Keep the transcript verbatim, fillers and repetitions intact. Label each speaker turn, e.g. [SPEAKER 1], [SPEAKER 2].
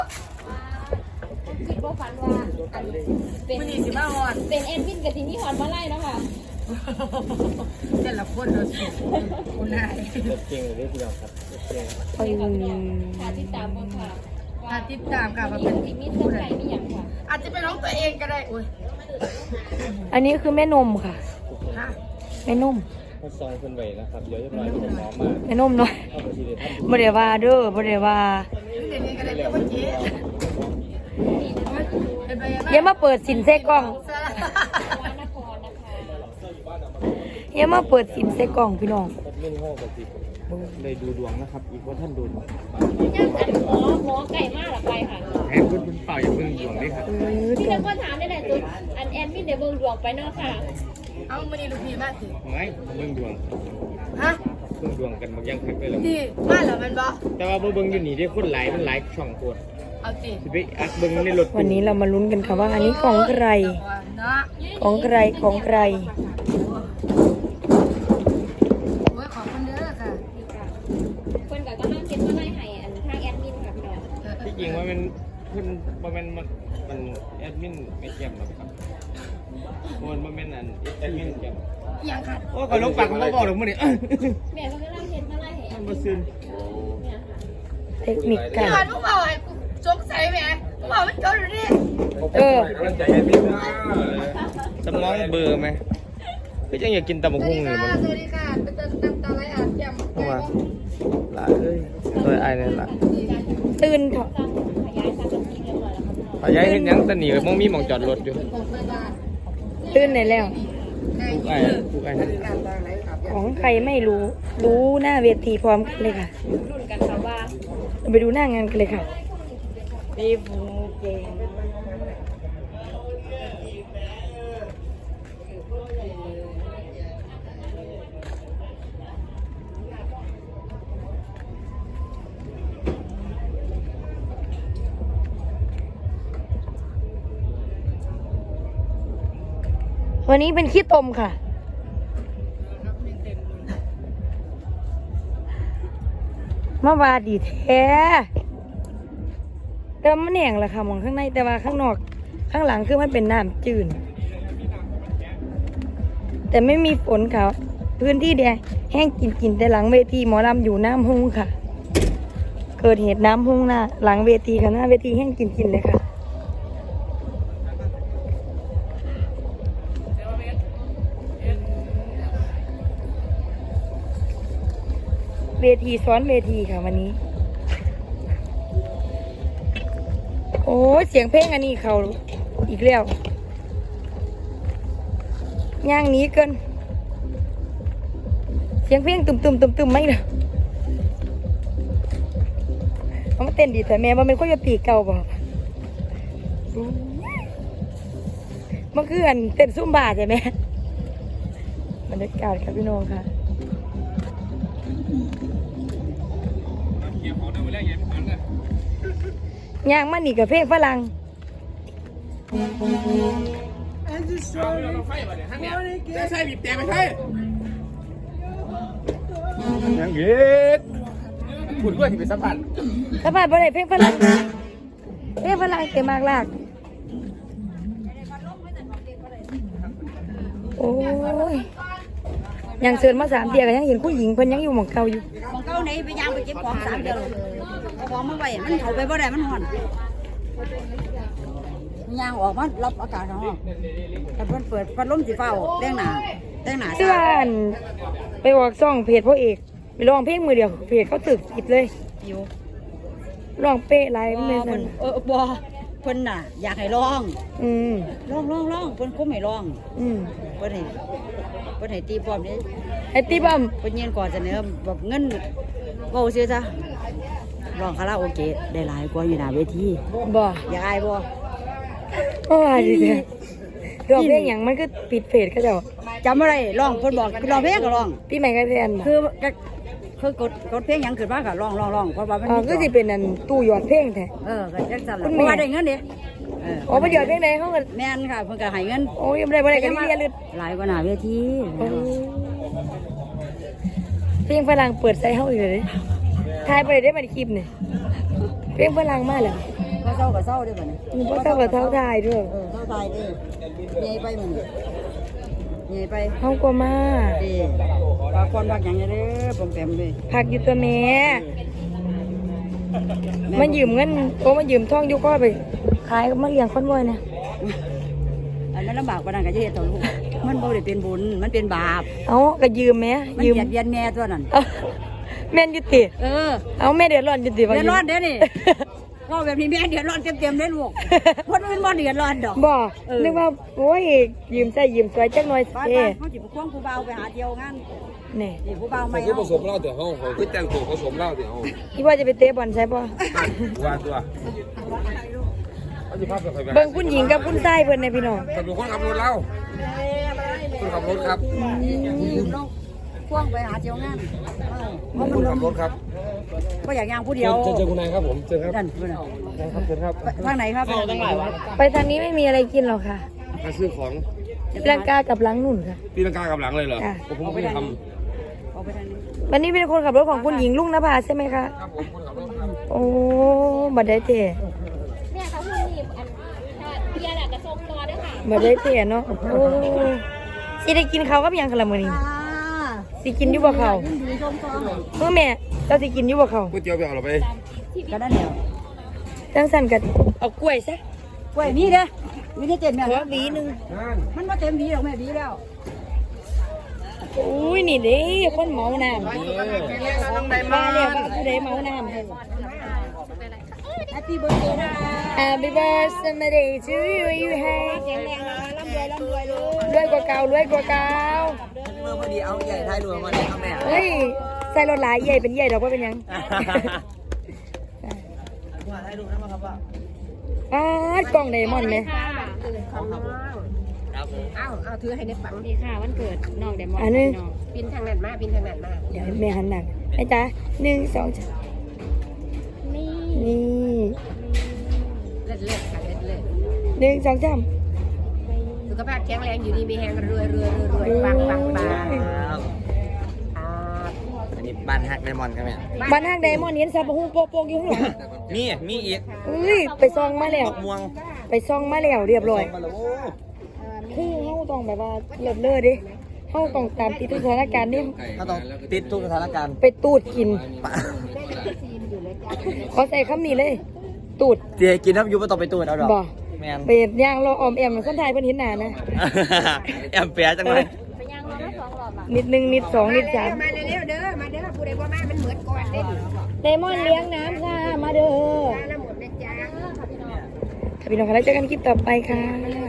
[SPEAKER 1] คิดว่าฝันว่าอันเป็นเป็นเอ็นวินกับทีนี้หอนมาไล่แล้วค่ะ
[SPEAKER 2] แต่ละคนเราสิคนไหน
[SPEAKER 3] เก่งเลยทีเดียวครับเก่ง
[SPEAKER 1] ใช่ค่ะพี่น้องถ้าติดตามบ้างค่ะ
[SPEAKER 2] ถ้าติดตามค่ะ
[SPEAKER 1] ว่าเป็นทีมีเส้นไก่มีอย่างค่ะ
[SPEAKER 2] อาจจะเป็นน้องตัวเองก็ได้โอ้ย
[SPEAKER 4] อันนี้คือแม่นมค่ะแม่นม
[SPEAKER 3] เขาซอยคนไหวนะครับเดี๋ยวจะปล่อยผมน้องมา
[SPEAKER 4] แม่นมหน่อยบ่ได้ว่าเด้อบ่ได้ว่าอย่ามาเปิดสินเซกล้องอย่ามาเปิดสินเซกล้องพี่น้อง
[SPEAKER 3] เล่นห้องกับจิเลยดูดวงนะครับอีกว่าท่านดู
[SPEAKER 1] ย่างอันหมอหมอไก่มากหรอไปค่ะ
[SPEAKER 3] แอนคุณเปล่าอย่าเพิ่งดวงด้วยครับ
[SPEAKER 1] พี่เด็กก็ถามได้แหละตัวอันแอนมินเดี๋ยวเบิ่งดวงไปเนาะค่ะ
[SPEAKER 2] เอามานี่ลูกพี่มาสิ
[SPEAKER 3] ไม่เบิ่งดวง
[SPEAKER 2] ฮะ
[SPEAKER 3] เบิ่งดวงกันบางอย่างคักเลยหรอ
[SPEAKER 2] นี่มาแล้วมันบ่
[SPEAKER 3] แต่ว่าเบิ่งอยู่นี่ได้คนหลายมันหลายช่องโคตร
[SPEAKER 2] เอาสิ
[SPEAKER 3] ไปอัดเบิ่งในรถ
[SPEAKER 4] วันนี้เรามาลุ้นกันค่ะว่าอันนี้ของใครของใครของใคร
[SPEAKER 2] โอ้ยขอบคุณเด้อค่ะ
[SPEAKER 1] เพิ่นก็กำลังเก็บมาไล่ให้อันทางแอดมินค่ะพี่น้อง
[SPEAKER 3] ที่จริงว่ามันเพิ่นบ่แม่นมันมันแอดมินไม่แจ่มหรอกครับมันบ่แม่นอันแอดมินแจ่ม
[SPEAKER 2] ยังค่ะ
[SPEAKER 3] โอ้ก็ลงปากก็บ่บอกหรอกมื้อนี้
[SPEAKER 1] แม่เพิ่นกำลังเก็บมาไล่ให้อัน
[SPEAKER 3] บ่ซึน
[SPEAKER 4] เทคนิคกัน
[SPEAKER 2] พี่ลูกบ่าวให้กูสงสัยแหมลูกบ่าวมันจดอยู่นี่
[SPEAKER 4] เออ
[SPEAKER 3] สมองเบอร์ไหมก็ยังอยากกินตำบักหุ่งอยู่มัน
[SPEAKER 2] สวัสดีค่ะเป็นตำตำอะไรอ่ะแจ่ม
[SPEAKER 3] เข้ามาหลายเอ้ยโดยไอ้นี่ล่ะ
[SPEAKER 4] ตื่นเถอะ
[SPEAKER 3] ขยายเห็นยังตะหนีมองมีหม่องจอดรถอยู่
[SPEAKER 4] ตื่นไหนแล้ว
[SPEAKER 3] ทุกไอ้ทุกไอ้
[SPEAKER 4] ของใครไม่รู้รู้หน้าเวทีพร้อมกันเลยค่ะ
[SPEAKER 1] รุ่นกันค่ะว่า
[SPEAKER 4] ไปดูหน้างานกันเลยค่ะปีฟูเกงวันนี้เป็นขี้ตมค่ะมาวาดีแท้แต่มันแหน่งแหละค่ะมองข้างในแต่ว่าข้างนอกข้างหลังคือมันเป็นน้ำจืดแต่ไม่มีฝนค่ะพื้นที่แดงแห้งกินกินแต่หลังเวทีหมอลำอยู่น้ำหุ้งค่ะเกิดเหตุน้ำหุ้งหน้าหลังเวทีค่ะหน้าเวทีแห้งกินกินเลยค่ะเวทีซ้อนเวทีค่ะวันนี้โอ้เสียงเพลงอันนี้เขาอีกแล้วย่างนี้เกินเสียงเพลงตุ่มตุ่มตุ่มตุ่มไม่เลยเขามาเต้นดีแต่แม่ว่ามันก็จะตีเก่าบ่มันคืออันเต้นซุ่มบาใช่ไหมบรรยากาศครับพี่น้องค่ะย่างมันนี่กับเพลงฝรั่ง
[SPEAKER 3] ใช่บีบแต่ไม่ใช่ยังเย็ดพูดด้วยที่เป็นสัมผัส
[SPEAKER 4] สัมผัสบ่ได้เพลงฝรั่งเพลงฝรั่งเต็มมากลากโอ้ยยังเชิญมาสามเดียกันยังเห็นผู้หญิงเพิ่นยังอยู่หม่องเก่าอยู่
[SPEAKER 2] หม่องเก่าไหนไปย่างไปเก็บของสามเดียวเอาของมาไว้มันเอาไปบ่ได้มันห่อนย่างออกมารับอากาศข้างนอกแต่เพิ่นเปิดพัดลมสีฟ้าแต่งหน้าแต่งหน้า
[SPEAKER 4] เสื้อไปออกซ่องเพจพ่อเอกไปร้องเพลงมือเดียวเพจเขาตึกกิดเลย
[SPEAKER 2] อยู่
[SPEAKER 4] ร้องเป๊ะไรไม่
[SPEAKER 2] เป็นเออบ่เพิ่นน่ะอยากให้ร้อง
[SPEAKER 4] อืม
[SPEAKER 2] ร้องร้องร้องเพิ่นคุ้มให้ร้อง
[SPEAKER 4] อืม
[SPEAKER 2] เพิ่นให้เพิ่นให้ตีพร้อมนี่
[SPEAKER 4] ไอ้ตีบัม
[SPEAKER 2] เพิ่นยืนก่อนเสนอบอกเงินเว้าซื่อซะร้องคาราโอเกะได้หลายกว่าอยู่หน้าเวที
[SPEAKER 4] บ่
[SPEAKER 2] อยากอายบ่
[SPEAKER 4] โอ้ยดิร้องเพลงหยังมันก็ปิดเพจเขาเจ้า
[SPEAKER 2] จำอะไรร้องเพิ่นบอกร้องเพลงก็ร้อง
[SPEAKER 4] พี่ใหม่ก็เรียน
[SPEAKER 2] คือคือกดกดเพลงหยังขึ้นมาก็ร้องร้องร้องเพราะว่ามัน
[SPEAKER 4] อ๋อก็สิเป็นอันตู้หยอดเพลงแท้
[SPEAKER 2] เออก็จังซั่นล่ะเพราะว่าได้เงินเด้
[SPEAKER 4] เอออ๋อบ่หยอดเพลงใดเฮาก็
[SPEAKER 2] แม่นค่ะเพิ่นก็ให้เงิน
[SPEAKER 4] โอ้ยบ่ได้บ่ได้ก็เรียนลึก
[SPEAKER 2] หลายกว่าหน้าเวที
[SPEAKER 4] เพลงฝรั่งเปิดใส่เฮาอีกเลยถ่ายบ่ได้ได้มาในคลิปนี่เพลงฝรั่งมาแล้ว
[SPEAKER 2] ก็เศร้าก็เศร้าด้วยบ่นี่
[SPEAKER 4] มีพ่อเท่ากับเท่าทายด้วย
[SPEAKER 2] เออเศร้าตายเด้ใหญ่ไปมึงใหญ่ไป
[SPEAKER 4] เฮาก็มา
[SPEAKER 2] เด้ปากคนปากหยังเด้อผมเต็มเลย
[SPEAKER 4] พักอยู่ตัวแม่มายืมเงินโอ้มายืมทองอยู่ก็ไปขายมาเลี้ยงคนบ่อยนะ
[SPEAKER 2] อันนั้นลำบากกว่านั้นก็จะเฮ็ดต่อลูกมันบ่ได้เป็นบุญมันเป็นบาป
[SPEAKER 4] เอาก็ยืมแม่
[SPEAKER 2] มัน
[SPEAKER 4] ยืม
[SPEAKER 2] เบียดเบียนแม่ตัวนั้น
[SPEAKER 4] เอ้าแม่นอยู่ติ
[SPEAKER 2] เออ
[SPEAKER 4] เอาแม่เดือดร้อนอยู่ติว่า
[SPEAKER 2] เดือดร้อนเด้อนี่ว่าแบบนี้แม่เดือดร้อนเต็มๆเลยลูกคนอื่นบ่เดือดร้อนดอก
[SPEAKER 4] บ่
[SPEAKER 2] เออ
[SPEAKER 4] นึกว่าโอ้ยยืมใส่ยืมสวยจักหน่อย
[SPEAKER 2] บ้าน
[SPEAKER 4] เด้
[SPEAKER 2] บ้านเขาจิบควงผู้เบาไปหาเที่ยวงาน
[SPEAKER 4] นี่
[SPEAKER 2] นี่ผู้เบา
[SPEAKER 5] เขา
[SPEAKER 2] ไม่
[SPEAKER 5] คือผ
[SPEAKER 2] เอา
[SPEAKER 5] สมเหล้าเดี๋ยวเขาเขาคือแต่งตัวผสมเหล้าเดี๋ยวเขา
[SPEAKER 4] คิดว่าจะไปเตะบอลใช่ป่ะ
[SPEAKER 5] ว่าตัวเขาจะพาไปใครไป
[SPEAKER 4] เบิ่งคุณหญิงกับคุณชายเพิ่นในพี่น้อง
[SPEAKER 5] แต่เป็นคนขับรถเหล้าคนขับรถครับ
[SPEAKER 2] ยืมน้องควงไปหาเที่ยวงานเพราะ
[SPEAKER 5] ค
[SPEAKER 2] มัน
[SPEAKER 5] น
[SPEAKER 2] ล
[SPEAKER 5] ขั
[SPEAKER 2] ง
[SPEAKER 5] บรถครับ
[SPEAKER 2] ก็อยากย่างผู้เดียว
[SPEAKER 5] เจอเจอคุณนายครับผมเจอครับ
[SPEAKER 2] นั่นเพิ่นน่ะ
[SPEAKER 5] ครับเจอครับ
[SPEAKER 2] ทางไหนครับทางไหนวะ
[SPEAKER 4] ไปทางนี้ไม่มีอะไรกินหรอกค่ะ
[SPEAKER 5] มาซื้อของ
[SPEAKER 4] ลังกากับหลังนุ่นค่ะ
[SPEAKER 5] ตีลังกากับหลังเลยเหรอผมไม่ได้ท
[SPEAKER 2] ออกไปทางนี้
[SPEAKER 4] วันนี้เป็นคนขับรถของคุณหญิงลุงนภาใช่ไหมคะ
[SPEAKER 5] ำครับผมคนขับรถครับ
[SPEAKER 4] โอ้บัดได้เตะ
[SPEAKER 1] เนี่ยเขาพูดนี่อันเบียร์แหละกระทรงรอด้วยค่ะ
[SPEAKER 4] บัดได้เตะเนาะโอ้สิได้กินข้าวกับหยังคะละมื้อนี้
[SPEAKER 2] อ่า
[SPEAKER 4] สิกินอยู่บ่ข้าว
[SPEAKER 2] ยินดีชมความ
[SPEAKER 4] เมื่อแม่เจ้าสิกินอยู่บ่ข้าว
[SPEAKER 5] ก๋วยเตี๋ยวไปเอาเราไป
[SPEAKER 2] ก็ได้แล้ว
[SPEAKER 4] จังสั่นก็เอากล้วยซะ
[SPEAKER 2] กล้วยมีเด้อมีได้เต็มแม่
[SPEAKER 4] ขอหวีหนึง
[SPEAKER 5] นั่น
[SPEAKER 2] มันบ่เต็มหวีหรอกแม่หวีแล้ว
[SPEAKER 4] อุ้ยนี่เด้คนเมาน้ำมาแล้วผู้ใดเมาน้ำ
[SPEAKER 2] แฮปปี้เบิร์ดเดย์นะ
[SPEAKER 4] Happy birthday to you you have
[SPEAKER 2] แข็งแรงนะคะร่ำรวยร่ำรวยเลย
[SPEAKER 4] รวยกว่าเก่ารวยกว่าเก่า
[SPEAKER 3] เมื่อพอดีเอาใหญ่ท้ายรวมมาเลยครับแม่
[SPEAKER 4] เฮ้ยใส่รถหลายใหญ่เป็นใหญ่ดอกว่าเป็นหยัง
[SPEAKER 3] ว่าให้ดูนะครับว่า
[SPEAKER 4] อ้าวกล่องไดมอนด์ไหม
[SPEAKER 1] ค่ะ
[SPEAKER 3] ครับผม
[SPEAKER 6] เอาเอาถือให้ในฝัง
[SPEAKER 1] นี่ค่ะวันเกิดน้องเดมอน
[SPEAKER 4] อันนึง
[SPEAKER 6] ปินทางนั้นมาปินทางนั้นมา
[SPEAKER 4] เดี๋ยวแม่หันหนักไอ้จ้าหนึ่งสองสาม
[SPEAKER 1] นี่
[SPEAKER 4] นี่
[SPEAKER 6] เล็ดเล็ดค่ะเล็ดเล็ด
[SPEAKER 4] หนึ่งสองสาม
[SPEAKER 6] สุขภาพแข็งแรงอยู่ดีมีแหงรวยรวยรวยรวยปังปังปังครับ
[SPEAKER 3] อันนี้บ้านฮักไดมอนด์ครับแม่
[SPEAKER 4] บ้านห้างไดมอนด์เห็นซาบะฮูโปโปกอยู่ข้างหลัง
[SPEAKER 3] มีมีอีก
[SPEAKER 4] เอ้ยไปซองมาแล้ว
[SPEAKER 3] ม่วง
[SPEAKER 4] ไปซองมาแล้วเรียบร้อย
[SPEAKER 3] มาแล้วโอ้
[SPEAKER 4] คือเฮาต้องแบบว่าเลิศเลิศดิเฮาต้องตามติดทุกสถานการณ์นี่
[SPEAKER 3] ถ้าต้องติดทุกสถานการณ์
[SPEAKER 4] ไปตูดกิน ขอใส่คำนี้เลย ตูด
[SPEAKER 3] เจียกินน้ำยูไม่ต้องไปตูดเอาดอก
[SPEAKER 4] บ่
[SPEAKER 3] แมน
[SPEAKER 4] เป็ดย่างรอออมแอมคนไทยเพิ่นเห็นหน้านะ
[SPEAKER 3] แอมเปียจังเลย
[SPEAKER 1] ไปย่างรอมาสองรอบอ่ะ
[SPEAKER 4] นิดหนึ่งนิดสองนิดสาม
[SPEAKER 6] มาเร็วๆเด้อมาเด้อผู้ใดบ่มามันเหมือนก่อนเด้อ
[SPEAKER 4] ไดมอนด์เลี้ยงน้ำค่ะ มาเด้อ
[SPEAKER 6] มาแล้วหมดนะจ๊ะ
[SPEAKER 4] ค่ะพี่น้องค่ะแล้วเจอกันคลิปต่อไปค่ะ